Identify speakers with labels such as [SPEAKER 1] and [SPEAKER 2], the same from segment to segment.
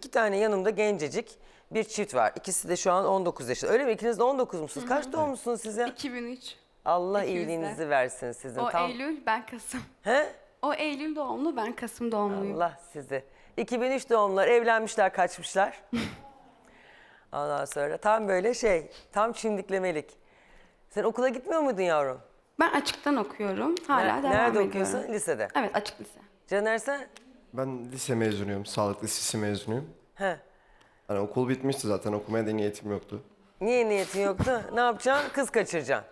[SPEAKER 1] 2 tane yanımda gencecik bir çift var. İkisi de şu an 19 yaşında. Öyle mi? İkiniz de 19 musunuz? Kaç doğumlusunuz siz ya?
[SPEAKER 2] 2003.
[SPEAKER 1] Allah
[SPEAKER 2] İkimiz de.
[SPEAKER 1] iyiliğinizi versin sizin.
[SPEAKER 2] O Eylül, ben Kasım.
[SPEAKER 1] He?
[SPEAKER 2] O Eylül doğumlu, ben Kasım doğumluyum.
[SPEAKER 1] Allah sizi. 2003 doğumlular, evlenmişler, kaçmışlar. Ondan sonra tam böyle tam çimdiklemelik. Sen okula gitmiyor muydun yavrum?
[SPEAKER 2] Ben açıktan okuyorum. Hala devam
[SPEAKER 1] Nerede
[SPEAKER 2] ediyorum.
[SPEAKER 1] okuyorsun? Lisede.
[SPEAKER 2] Evet, açık lise.
[SPEAKER 1] Caner sen?
[SPEAKER 3] Ben lise mezunuyum, sağlık lisesi mezunuyum.
[SPEAKER 1] He.
[SPEAKER 3] Hani okul bitmişti zaten, okumaya da niyetim yoktu.
[SPEAKER 1] Niye niyetin yoktu? Ne yapacaksın? Kız kaçıracaksın.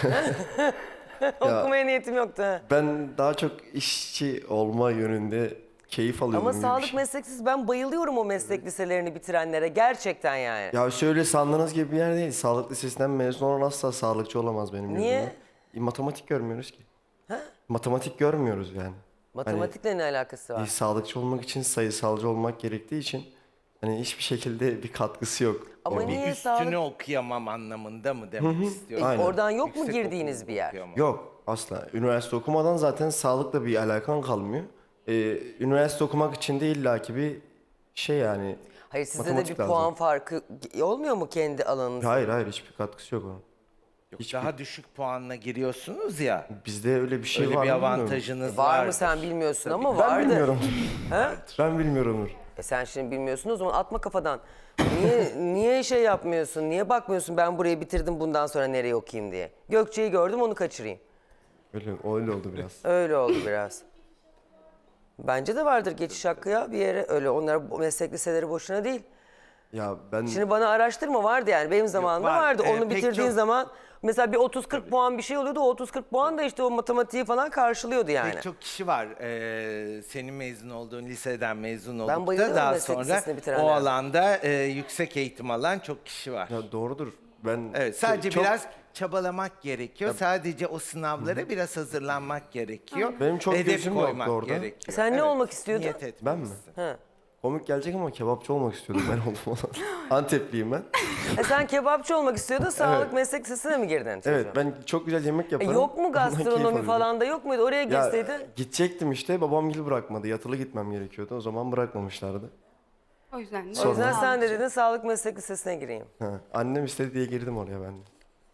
[SPEAKER 1] Okumaya niyetim yoktu. He.
[SPEAKER 3] Ben daha çok işçi olma yönünde keyif alıyordum.
[SPEAKER 1] Ama
[SPEAKER 3] gibi bir
[SPEAKER 1] sağlık
[SPEAKER 3] şey.
[SPEAKER 1] mesleksiz, ben bayılıyorum o meslek liselerini bitirenlere. Gerçekten yani.
[SPEAKER 3] Ya şöyle sandığınız gibi bir yer değil. Sağlık lisesinden mezun olan asla sağlıkçı olamaz benim
[SPEAKER 1] Niye?
[SPEAKER 3] gözümde. Matematik görmüyoruz ki. Matematik görmüyoruz yani.
[SPEAKER 1] Matematikle ne alakası var?
[SPEAKER 3] Sağlıkçı olmak için sayısalcı olmak gerektiği için hani hiçbir şekilde bir katkısı yok.
[SPEAKER 1] Ama
[SPEAKER 3] Orada.
[SPEAKER 1] niye
[SPEAKER 4] Üstünü
[SPEAKER 1] sağlık?
[SPEAKER 4] okuyamam anlamında mı demek istiyorum?
[SPEAKER 3] Aynen.
[SPEAKER 1] Oradan yok mu
[SPEAKER 4] Yüksek
[SPEAKER 1] girdiğiniz
[SPEAKER 4] okulu
[SPEAKER 1] bir yer?
[SPEAKER 4] okuyamam.
[SPEAKER 3] Yok asla. Üniversite okumadan zaten sağlıkla bir alakan kalmıyor. Üniversite okumak için de illaki bir şey yani.
[SPEAKER 1] Hayır, sizde de
[SPEAKER 3] matematik
[SPEAKER 1] bir
[SPEAKER 3] lazım.
[SPEAKER 1] puan farkı olmuyor mu kendi alanınızda?
[SPEAKER 3] Hayır hiçbir katkısı yok onun.
[SPEAKER 4] Yok, daha düşük puanla giriyorsunuz ya.
[SPEAKER 3] Bizde öyle bir şey
[SPEAKER 4] Öyle
[SPEAKER 3] var
[SPEAKER 4] bir
[SPEAKER 3] mı bilmiyorum.
[SPEAKER 4] avantajınız
[SPEAKER 1] Var
[SPEAKER 4] vardır.
[SPEAKER 1] mı sen bilmiyorsun ama
[SPEAKER 3] Ben
[SPEAKER 1] vardır.
[SPEAKER 3] bilmiyorum.
[SPEAKER 1] He?
[SPEAKER 3] Ben bilmiyorumdur.
[SPEAKER 1] Sen şimdi bilmiyorsun, o zaman atma kafadan. Niye şey yapmıyorsun? Niye bakmıyorsun ben burayı bitirdim bundan sonra nereye okuyayım diye? Gökçe'yi gördüm, onu kaçırayım.
[SPEAKER 3] Öyle oldu biraz.
[SPEAKER 1] Öyle oldu biraz. Bence de vardır geçiş hakkı ya bir yere. Öyle onlar meslek liseleri boşuna değil.
[SPEAKER 3] Ya ben
[SPEAKER 1] Şimdi bana araştırma vardı yani benim zamanımda
[SPEAKER 4] var.
[SPEAKER 1] vardı. Onu
[SPEAKER 4] Pek
[SPEAKER 1] bitirdiğin
[SPEAKER 4] çok-
[SPEAKER 1] zaman mesela bir 30-40 puan bir şey oluyordu. O 30-40 puan da işte o matematiği falan karşılıyordu yani.
[SPEAKER 4] Pek çok kişi var. Senin mezun olduğun liseden mezun olup da
[SPEAKER 1] bayılıyorum
[SPEAKER 4] daha
[SPEAKER 1] meslek
[SPEAKER 4] sonra
[SPEAKER 1] lisesini bitirenlere.
[SPEAKER 4] o alanda yüksek eğitim alan çok kişi var.
[SPEAKER 3] ya doğrudur. Ben
[SPEAKER 4] Evet, sadece
[SPEAKER 3] çok-
[SPEAKER 4] biraz çabalamak gerekiyor. Sadece o sınavlara biraz hazırlanmak gerekiyor.
[SPEAKER 3] Benim çok
[SPEAKER 4] Hedef
[SPEAKER 3] gözüm yoktu
[SPEAKER 4] koymak
[SPEAKER 3] orada.
[SPEAKER 4] gerekiyor.
[SPEAKER 1] Sen ne olmak istiyordun?
[SPEAKER 4] Niyet etmelisin.
[SPEAKER 3] Ben mi?
[SPEAKER 1] Ha.
[SPEAKER 3] Komik gelecek ama kebapçı olmak istiyordum ben oldum olan. Antepliyim ben.
[SPEAKER 1] Sen kebapçı olmak istiyordun, sağlık meslek lisesine mi girdin?
[SPEAKER 3] Evet ben çok güzel yemek yaparım.
[SPEAKER 1] Yok mu
[SPEAKER 3] Ondan keyif
[SPEAKER 1] gastronomi
[SPEAKER 3] alıyorum.
[SPEAKER 1] falan da yok muydu? Oraya
[SPEAKER 3] Ya
[SPEAKER 1] girseydin.
[SPEAKER 3] gidecektim işte babam gibi bırakmadı. Yatılı gitmem gerekiyordu. O zaman bırakmamışlardı.
[SPEAKER 2] O yüzden de.
[SPEAKER 1] O yüzden sen de
[SPEAKER 2] sağlıkçı.
[SPEAKER 1] dedin sağlık meslek lisesine gireyim.
[SPEAKER 3] Ha, annem istedi diye girdim oraya ben de.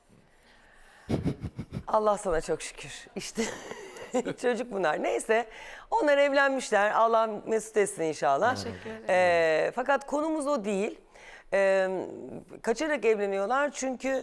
[SPEAKER 1] Allah sana çok şükür. İşte çocuk bunlar. Neyse onlar evlenmişler. Allah mesut etsin inşallah.
[SPEAKER 2] Teşekkür ederim.
[SPEAKER 1] Fakat konumuz o değil. Kaçarak evleniyorlar çünkü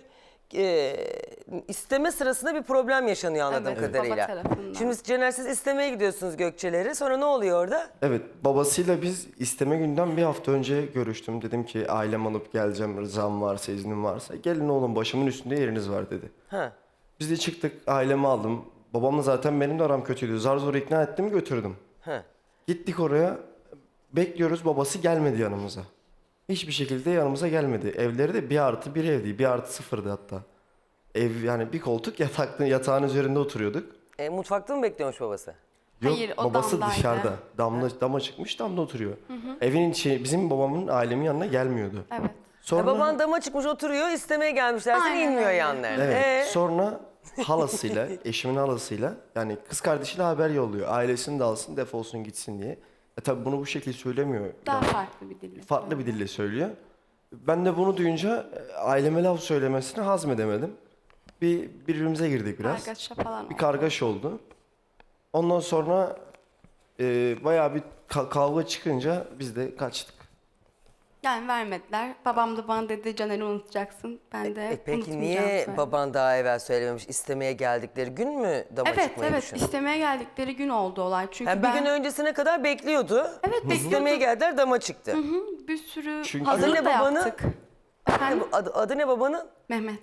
[SPEAKER 1] isteme sırasında bir problem yaşanıyor anladığım
[SPEAKER 2] Evet, baba
[SPEAKER 1] kadarıyla.
[SPEAKER 2] tarafından.
[SPEAKER 1] Şimdi Cener siz istemeye gidiyorsunuz Gökçeleri. Sonra ne oluyor orada?
[SPEAKER 3] Evet babasıyla biz isteme günden bir hafta önce görüştüm. Dedim ki ailem alıp geleceğim rızam varsa iznim varsa. Gelin oğlum başımın üstünde yeriniz var dedi.
[SPEAKER 1] Ha.
[SPEAKER 3] Biz de çıktık ailemi aldım. Babamla zaten benim de aram kötüydü. Zar zor ikna ettim götürdüm.
[SPEAKER 1] Ha.
[SPEAKER 3] Gittik oraya bekliyoruz babası gelmedi yanımıza. Hiçbir şekilde yanımıza gelmedi. Evleri de 1+1 evdi. 1+0'dı hatta. Ev yani bir koltuk yatağın üzerinde oturuyorduk.
[SPEAKER 1] Mutfakta mı bekliyormuş babası?
[SPEAKER 2] Hayır, o
[SPEAKER 3] babası
[SPEAKER 2] damdaydı.
[SPEAKER 3] dışarıda. Dama çıkmış damda oturuyor. Evin içi bizim babamın ailemin yanına gelmiyordu.
[SPEAKER 2] Evet.
[SPEAKER 3] Sonra
[SPEAKER 1] Baban dama çıkmış oturuyor, istemeye gelmişler. Sen
[SPEAKER 2] Aynen
[SPEAKER 1] inmiyor
[SPEAKER 2] öyle.
[SPEAKER 1] yanlarına.
[SPEAKER 3] evet. Sonra halasıyla, eşimin halasıyla yani kız kardeşiyle haber yolluyor. Ailesini de alsın, defolsun gitsin diye. Tabii bunu bu şekilde söylemiyor.
[SPEAKER 2] Daha
[SPEAKER 3] Yani
[SPEAKER 2] farklı bir dille.
[SPEAKER 3] farklı bir dille söylüyor. Ben de bunu duyunca aileme laf söylemesini hazmedemedim. Birbirimize girdik biraz.
[SPEAKER 2] Kargaşa falan
[SPEAKER 3] Bir
[SPEAKER 2] oldu.
[SPEAKER 3] kargaşa oldu. Ondan sonra bayağı bir kavga çıkınca biz de kaçtık.
[SPEAKER 2] Yani vermediler. Babam da bana dedi Caner'i unutacaksın. Ben de
[SPEAKER 1] Peki
[SPEAKER 2] unutmayacağım
[SPEAKER 1] niye
[SPEAKER 2] söyledim.
[SPEAKER 1] baban daha evvel söylememiş, istemeye geldikleri gün mü dama
[SPEAKER 2] Evet
[SPEAKER 1] çıkmayı
[SPEAKER 2] evet
[SPEAKER 1] düşündün?
[SPEAKER 2] istemeye geldikleri gün oldu olay. Çünkü
[SPEAKER 1] Yani bir
[SPEAKER 2] ben
[SPEAKER 1] gün öncesine kadar bekliyordu.
[SPEAKER 2] Evet,
[SPEAKER 1] İstemeye
[SPEAKER 2] bekliyordu.
[SPEAKER 1] geldiler, dama çıktı.
[SPEAKER 2] bir sürü
[SPEAKER 3] Çünkü-
[SPEAKER 2] hazırlık
[SPEAKER 1] Adı
[SPEAKER 2] da
[SPEAKER 1] ne babanın?
[SPEAKER 2] yaptık. Efendim?
[SPEAKER 1] Adı ne babanın?
[SPEAKER 2] Mehmet.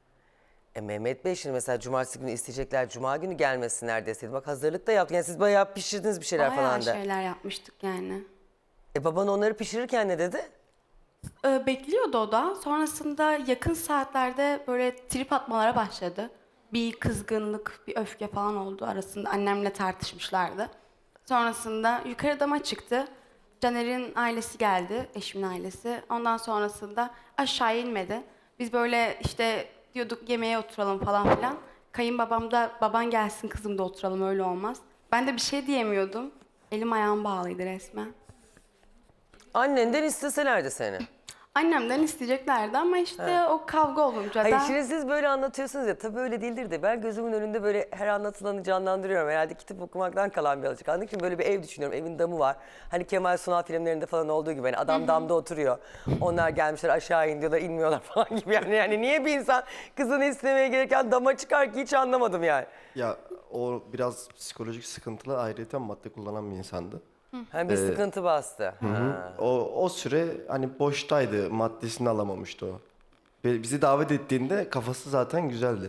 [SPEAKER 1] Mehmet Bey şimdi mesela cumartesi günü isteyecekler, cuma günü gelmesinler deseydi. Bak hazırlık da yaptı. Yani siz bayağı pişirdiniz bir şeyler
[SPEAKER 2] Bayağı
[SPEAKER 1] falan da.
[SPEAKER 2] şeyler yapmıştık yani.
[SPEAKER 1] Baban onları pişirirken ne dedi?
[SPEAKER 2] Bekliyordu o da. Sonrasında yakın saatlerde böyle trip atmalara başladı. Bir kızgınlık, bir öfke falan oldu arasında. Annemle tartışmışlardı. Sonrasında yukarı dama çıktı. Caner'in ailesi geldi, eşimin ailesi. Ondan sonrasında aşağı inmedi. Biz böyle işte diyorduk yemeğe oturalım falan filan. Kayınbabam da baban gelsin kızım da oturalım öyle olmaz. Ben de bir şey diyemiyordum. Elim ayağım bağlıydı resmen.
[SPEAKER 1] Annenden isteselerdi seni.
[SPEAKER 2] Annemden isteyeceklerdi ama işte o kavga olunca
[SPEAKER 1] Hayır
[SPEAKER 2] da...
[SPEAKER 1] şimdi siz böyle anlatıyorsunuz ya, tabii öyle değildir de ben gözümün önünde böyle her anlatılanı canlandırıyorum. Herhalde kitap okumaktan kalan bir alışkanlık. Şimdi böyle bir ev düşünüyorum, evin damı var. Hani Kemal Sunal filmlerinde falan olduğu gibi hani adam damda oturuyor. Onlar gelmişler aşağı in diyorlar, inmiyorlar falan gibi. Yani niye bir insan kızını istemeye gelirken dama çıkar ki hiç anlamadım yani.
[SPEAKER 3] Ya o biraz psikolojik sıkıntılı, ayrıca madde kullanan bir insandı.
[SPEAKER 1] Hani bir sıkıntı bastı. Ha.
[SPEAKER 3] O süre hani boştaydı, maddesini alamamıştı o. Ve bizi davet ettiğinde kafası zaten güzeldi.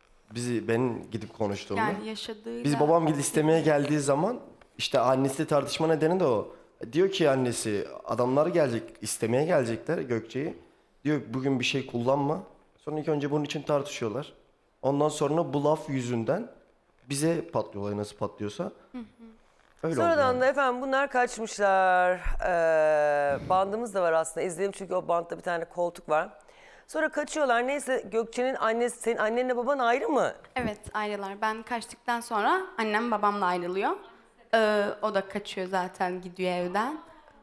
[SPEAKER 3] Ben gidip konuştuğumda.
[SPEAKER 2] Yani yaşadığıyla...
[SPEAKER 3] Biz babam gidip istemeye geldiği zaman işte annesi tartışma nedeni de o. Diyor ki annesi adamlar gelecek, istemeye gelecekler Gökçe'yi. Diyor bugün bir şey kullanma. Sonra ilk önce bunun için tartışıyorlar. Ondan sonra bu laf yüzünden bize patlıyorlar, nasıl patlıyorsa. Öyle oldu
[SPEAKER 1] Sonradan
[SPEAKER 3] yani.
[SPEAKER 1] da efendim bunlar kaçmışlar. Bandımız da var aslında. İzledim çünkü o bandta bir tane koltuk var. Sonra kaçıyorlar. Neyse Gökçe'nin annesi, senin annenle baban ayrı mı?
[SPEAKER 2] Evet ayrılar. Ben kaçtıktan sonra annem babamla ayrılıyor. O da kaçıyor zaten, gidiyor evden.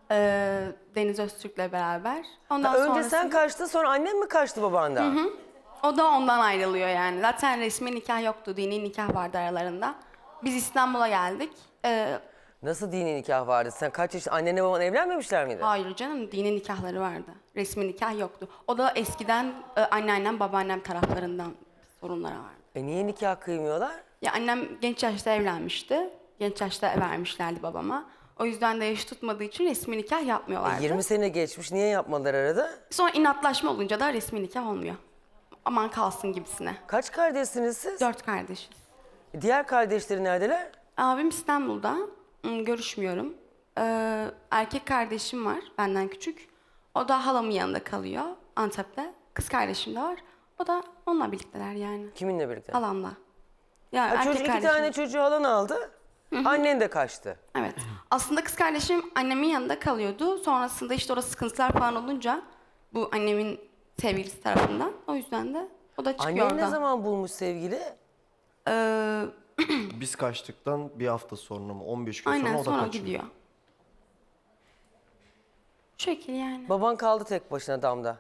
[SPEAKER 2] Deniz Öztürk'le beraber. Ondan
[SPEAKER 1] Önce
[SPEAKER 2] sonrasında-
[SPEAKER 1] sen kaçtın, sonra annen mi kaçtı babandan?
[SPEAKER 2] O da ondan ayrılıyor yani. Zaten resmi nikah yoktu. Dini nikah vardı aralarında. Biz İstanbul'a geldik.
[SPEAKER 1] Nasıl dini nikah vardı? Sen kaç yaşında? Annenle baban evlenmemişler miydi?
[SPEAKER 2] Hayır canım, dini nikahları vardı. Resmi nikah yoktu. O da eskiden anneannem, babaannem taraflarından sorunları vardı.
[SPEAKER 1] Niye nikah kıymıyorlar?
[SPEAKER 2] Ya annem genç yaşta evlenmişti. Genç yaşta vermişlerdi babama. O yüzden de yaşı tutmadığı için resmi nikah yapmıyorlardı.
[SPEAKER 1] 20 sene geçmiş, niye yapmadılar arada?
[SPEAKER 2] Sonra inatlaşma olunca da resmi nikah olmuyor. Aman kalsın gibisine.
[SPEAKER 1] Kaç kardeşsiniz siz?
[SPEAKER 2] 4 kardeşiz.
[SPEAKER 1] Diğer kardeşleri neredeler?
[SPEAKER 2] Abim İstanbul'da. Görüşmüyorum. Erkek kardeşim var benden küçük. O da halamın yanında kalıyor Antep'te. Kız kardeşim de var. O da onunla birlikteler yani.
[SPEAKER 1] Kiminle birlikte?
[SPEAKER 2] Halamla. Yani
[SPEAKER 1] Ha,
[SPEAKER 2] erkek
[SPEAKER 1] çocuk, iki
[SPEAKER 2] kardeşim.
[SPEAKER 1] tane çocuğu halan aldı. Annen de kaçtı.
[SPEAKER 2] Evet. Aslında kız kardeşim annemin yanında kalıyordu. Sonrasında işte orada sıkıntılar falan olunca bu annemin sevgilisi tarafından. O yüzden de o da çıkıyor
[SPEAKER 1] Annen
[SPEAKER 2] oradan.
[SPEAKER 1] ne zaman bulmuş sevgili?
[SPEAKER 3] Biz kaçtıktan bir hafta sonra mı 15 gün
[SPEAKER 2] Aynen
[SPEAKER 3] sonra o da
[SPEAKER 2] sonra
[SPEAKER 3] kaçıyor.
[SPEAKER 2] gidiyor. Şu şekil yani.
[SPEAKER 1] Baban kaldı tek başına damda.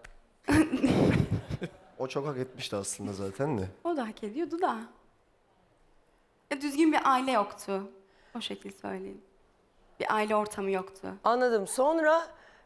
[SPEAKER 3] O çok hak etmişti aslında zaten de.
[SPEAKER 2] O da hak ediyordu da. Düzgün bir aile yoktu. O şekil söyleyeyim. Bir aile ortamı yoktu.
[SPEAKER 1] Anladım. Sonra...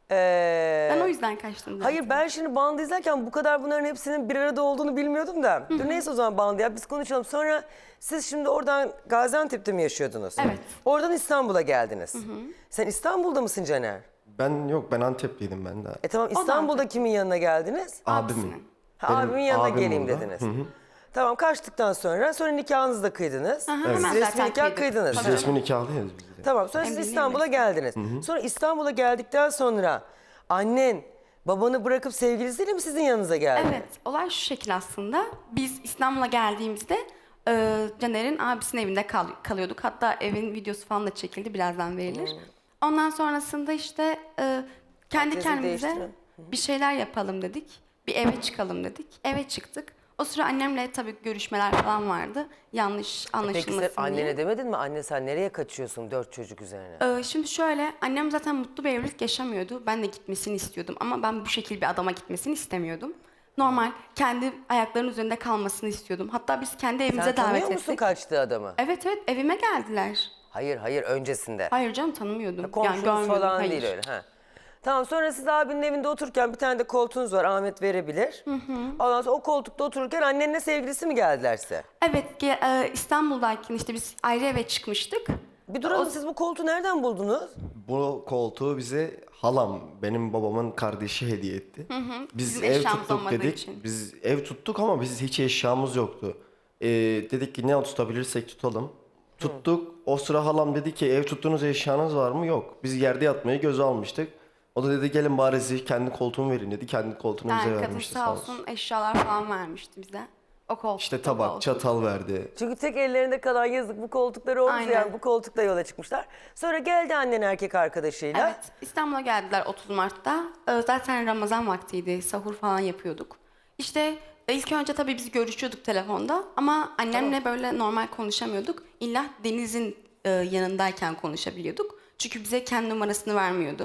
[SPEAKER 2] Ben o yüzden kaçtım zaten.
[SPEAKER 1] Hayır, ben şimdi bandı izlerken bu kadar bunların hepsinin bir arada olduğunu bilmiyordum da. Dur neyse, o zaman bandı ya, biz konuşalım. Sonra siz şimdi oradan Gaziantep'te mi yaşıyordunuz?
[SPEAKER 2] Evet.
[SPEAKER 1] Oradan İstanbul'a geldiniz. Sen İstanbul'da mısın Caner?
[SPEAKER 3] Ben Antepliydim ben de.
[SPEAKER 1] Tamam,
[SPEAKER 2] da
[SPEAKER 1] İstanbul'da kimin yanına geldiniz?
[SPEAKER 3] Abimin.
[SPEAKER 1] Ha,
[SPEAKER 3] Benim
[SPEAKER 1] abimin yanına
[SPEAKER 3] abim
[SPEAKER 1] geleyim
[SPEAKER 3] burada.
[SPEAKER 1] dediniz. Tamam, kaçtıktan sonra nikahınızı da kıydınız.
[SPEAKER 2] Aha, hemen
[SPEAKER 1] Resmi
[SPEAKER 2] zaten
[SPEAKER 1] nikah
[SPEAKER 2] kıydık.
[SPEAKER 1] kıydınız.
[SPEAKER 3] Biz
[SPEAKER 2] Tabii.
[SPEAKER 3] resmi nikahlıyız biz de.
[SPEAKER 1] Tamam, sonra siz
[SPEAKER 2] Evliliğim
[SPEAKER 1] İstanbul'a
[SPEAKER 2] resmi.
[SPEAKER 1] geldiniz. Sonra İstanbul'a geldikten sonra annen babanı bırakıp sevgilisiyle mi sizin yanınıza geldi?
[SPEAKER 2] Evet, olay şu şekil aslında. Biz İstanbul'a geldiğimizde Caner'in abisinin evinde kalıyorduk. Hatta evin videosu falan da çekildi, birazdan verilir. Ondan sonrasında işte kendi
[SPEAKER 1] Adresi
[SPEAKER 2] kendimize
[SPEAKER 1] değiştirin.
[SPEAKER 2] bir şeyler yapalım dedik. Bir eve çıkalım dedik. Eve çıktık. O sıra annemle tabii görüşmeler falan vardı. Yanlış
[SPEAKER 1] Peki
[SPEAKER 2] anlaşılmasın
[SPEAKER 1] sen annene
[SPEAKER 2] diye.
[SPEAKER 1] demedin mi? Anne sen nereye kaçıyorsun 4 çocuk üzerine?
[SPEAKER 2] Şimdi şöyle, annem zaten mutlu bir evlilik yaşamıyordu. Ben de gitmesini istiyordum ama ben bu şekilde bir adama gitmesini istemiyordum. Normal, kendi ayaklarının üzerinde kalmasını istiyordum. Hatta biz kendi evimize
[SPEAKER 1] Sen
[SPEAKER 2] davet
[SPEAKER 1] tanıyor musun
[SPEAKER 2] ettik.
[SPEAKER 1] kaçtığı adamı?
[SPEAKER 2] Evet, evime geldiler.
[SPEAKER 1] Hayır, öncesinde.
[SPEAKER 2] Hayır canım, tanımıyordum.
[SPEAKER 1] Komşunuz
[SPEAKER 2] görmüyordum,
[SPEAKER 1] falan
[SPEAKER 2] hayır.
[SPEAKER 1] değil öyle. Ha. Tamam, sonra siz abinin evinde otururken bir tane de koltuğunuz var, Ahmet verebilir. Ondan sonra o koltukta otururken annenle sevgilisi mi geldiler size?
[SPEAKER 2] Evet, İstanbul'dayken işte biz ayrı eve çıkmıştık.
[SPEAKER 1] Bir duralım, siz bu koltuğu nereden buldunuz?
[SPEAKER 3] Bu koltuğu bize halam, benim babamın kardeşi hediye etti. Biz
[SPEAKER 2] Bizim
[SPEAKER 3] ev
[SPEAKER 2] eşyamız
[SPEAKER 3] tuttuk
[SPEAKER 2] olmadığı
[SPEAKER 3] dedik.
[SPEAKER 2] için.
[SPEAKER 3] Biz ev tuttuk ama biz hiç eşyamız yoktu. Dedik ki ne tutabilirsek tutalım. Tuttuk. O sıra halam dedi ki ev tuttuğunuz eşyanız var mı? Yok. Biz yerde yatmayı göze almıştık. O da dedi gelin bari size kendi koltuğumu verin dedi. Kendi koltuğunu bize
[SPEAKER 2] Yani kadın
[SPEAKER 3] vermişti
[SPEAKER 2] sağ olsun eşyalar falan vermişti bize. O koltuk.
[SPEAKER 3] İşte tabak, çatal verdi.
[SPEAKER 1] Çünkü tek ellerinde kalan yazık bu koltukları olmuş,
[SPEAKER 2] Aynen.
[SPEAKER 1] yani bu koltukla yola çıkmışlar. Sonra geldi annen erkek arkadaşıyla.
[SPEAKER 2] Evet, İstanbul'a geldiler 30 Mart'ta. Zaten Ramazan vaktiydi, sahur falan yapıyorduk. İşte ilk önce tabii biz görüşüyorduk telefonda ama annemle böyle normal konuşamıyorduk. İlla Deniz'in yanındayken konuşabiliyorduk. Çünkü bize kendi numarasını vermiyordu.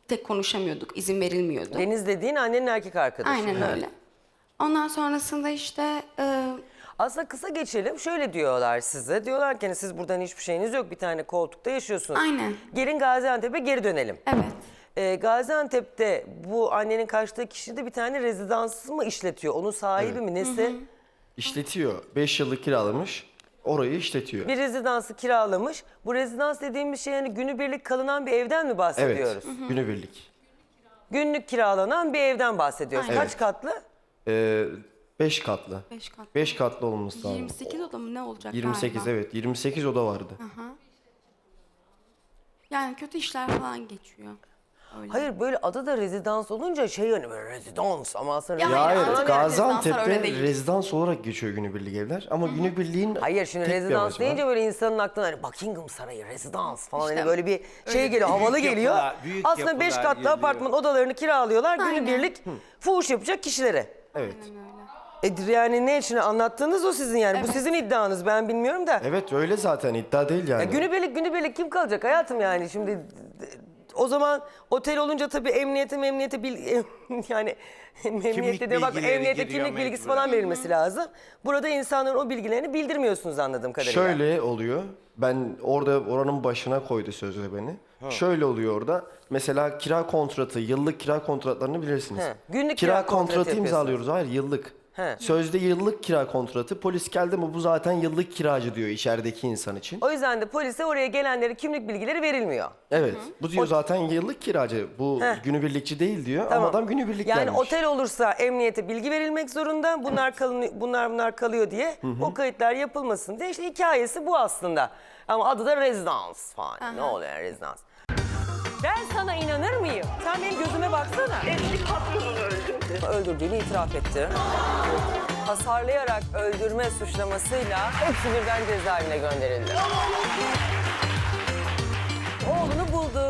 [SPEAKER 2] tek konuşamıyorduk, izin verilmiyordu.
[SPEAKER 1] Deniz dediğin annenin erkek arkadaşı.
[SPEAKER 2] Aynen
[SPEAKER 1] Ha.
[SPEAKER 2] öyle. Ondan sonrasında işte
[SPEAKER 1] Aslında kısa geçelim. Şöyle diyorlar size. Diyorlar ki hani siz buradan hiçbir şeyiniz yok. Bir tane koltukta yaşıyorsunuz.
[SPEAKER 2] Aynen.
[SPEAKER 1] Gelin Gaziantep'e geri dönelim.
[SPEAKER 2] evet.
[SPEAKER 1] Gaziantep'te bu annenin kaçtığı kişi de bir tane rezidans mı işletiyor? Onun sahibi mi nesi?
[SPEAKER 3] İşletiyor. 5 yıllık kiralamış. Orayı işletiyor.
[SPEAKER 1] Bir rezidansı kiralamış. Bu rezidans dediğimiz şey yani günübirlik kalınan bir evden mi
[SPEAKER 3] Evet.
[SPEAKER 1] bahsediyoruz?
[SPEAKER 3] Günübirlik.
[SPEAKER 1] Günlük kiralanan bir evden bahsediyoruz.
[SPEAKER 2] Aynen.
[SPEAKER 1] Kaç katlı?
[SPEAKER 3] 5 katlı.
[SPEAKER 2] 5 kat.
[SPEAKER 3] 5 katlı olması lazım.
[SPEAKER 2] 28 oda mı ne olacak
[SPEAKER 3] 28
[SPEAKER 2] galiba?
[SPEAKER 3] evet. 28 oda vardı.
[SPEAKER 2] Yani kötü işler falan geçiyor. Öyle.
[SPEAKER 1] Hayır böyle adı da rezidans olunca şey yani böyle rezidans ama aslında
[SPEAKER 2] Ya
[SPEAKER 3] Ya
[SPEAKER 2] hayır,
[SPEAKER 3] evet,
[SPEAKER 2] Antalya'da rezidanslar
[SPEAKER 3] Gaziantep'te
[SPEAKER 2] öyle değil.
[SPEAKER 3] rezidans olarak geçiyor günübirlik evler. Ama günübirliğin
[SPEAKER 1] Hayır şimdi
[SPEAKER 3] tek bir
[SPEAKER 1] rezidans
[SPEAKER 3] amacı var.
[SPEAKER 1] deyince böyle insanın aklına hani Buckingham Sarayı, rezidans falan
[SPEAKER 2] İşte
[SPEAKER 1] hani böyle bir şey geliyor, havalı
[SPEAKER 4] Büyük
[SPEAKER 1] geliyor.
[SPEAKER 4] yapılar, büyük
[SPEAKER 1] Aslında 5
[SPEAKER 4] yapılar
[SPEAKER 1] katlı
[SPEAKER 4] geliyor.
[SPEAKER 1] apartman odalarını kiralıyorlar
[SPEAKER 2] Aynen.
[SPEAKER 1] günübirlik fuhuş yapacak kişilere.
[SPEAKER 3] Evet.
[SPEAKER 1] Yani ne için anlattığınız o sizin yani. Bu
[SPEAKER 2] Evet.
[SPEAKER 1] sizin iddianız ben bilmiyorum da.
[SPEAKER 3] Evet öyle zaten iddia değil yani.
[SPEAKER 1] Günübirlik kim kalacak hayatım yani şimdi o zaman otel olunca tabii emniyete yani emniyette de bak
[SPEAKER 4] bilgileri
[SPEAKER 1] emniyete
[SPEAKER 4] giriyor
[SPEAKER 1] kimlik bilgisi
[SPEAKER 4] mecburen.
[SPEAKER 1] falan verilmesi lazım. Burada insanların o bilgilerini bildirmiyorsunuz anladığım kadarıyla.
[SPEAKER 3] Şöyle oluyor. Ben oranın başına koydu sözde beni. Şöyle oluyor orada. Mesela kira kontratı, yıllık kira kontratlarını bilirsiniz.
[SPEAKER 1] He, günlük kira
[SPEAKER 3] kira
[SPEAKER 1] kontratı
[SPEAKER 3] kontratı
[SPEAKER 1] yapıyorsunuz.
[SPEAKER 3] imzalıyoruz. Hayır yıllık.
[SPEAKER 1] He.
[SPEAKER 3] Sözde yıllık kira kontratı. Polis geldi mi bu zaten yıllık kiracı diyor içerideki insan için.
[SPEAKER 1] O yüzden de polise oraya gelenlere kimlik bilgileri verilmiyor.
[SPEAKER 3] Evet. Bu diyor zaten yıllık kiracı. Bu günübirlikçi değil diyor.
[SPEAKER 1] Tamam.
[SPEAKER 3] Ama adam günübirlik
[SPEAKER 1] Yani
[SPEAKER 3] gelmiş.
[SPEAKER 1] otel olursa emniyete bilgi verilmek zorunda. Bunlar kalıyor diye. O kayıtlar yapılmasın diye. İşte hikayesi bu aslında. Ama adı da rezidans falan. Ne oluyor yani rezidans? Ben sana inanır mıyım? Sen benim gözüme baksana.
[SPEAKER 5] Eski patronunu öldürdü.
[SPEAKER 1] Öldürdüğünü itiraf etti. Hasarlayarak öldürme suçlamasıyla hepsi birden cezaevine gönderildi. Oğlunu buldu.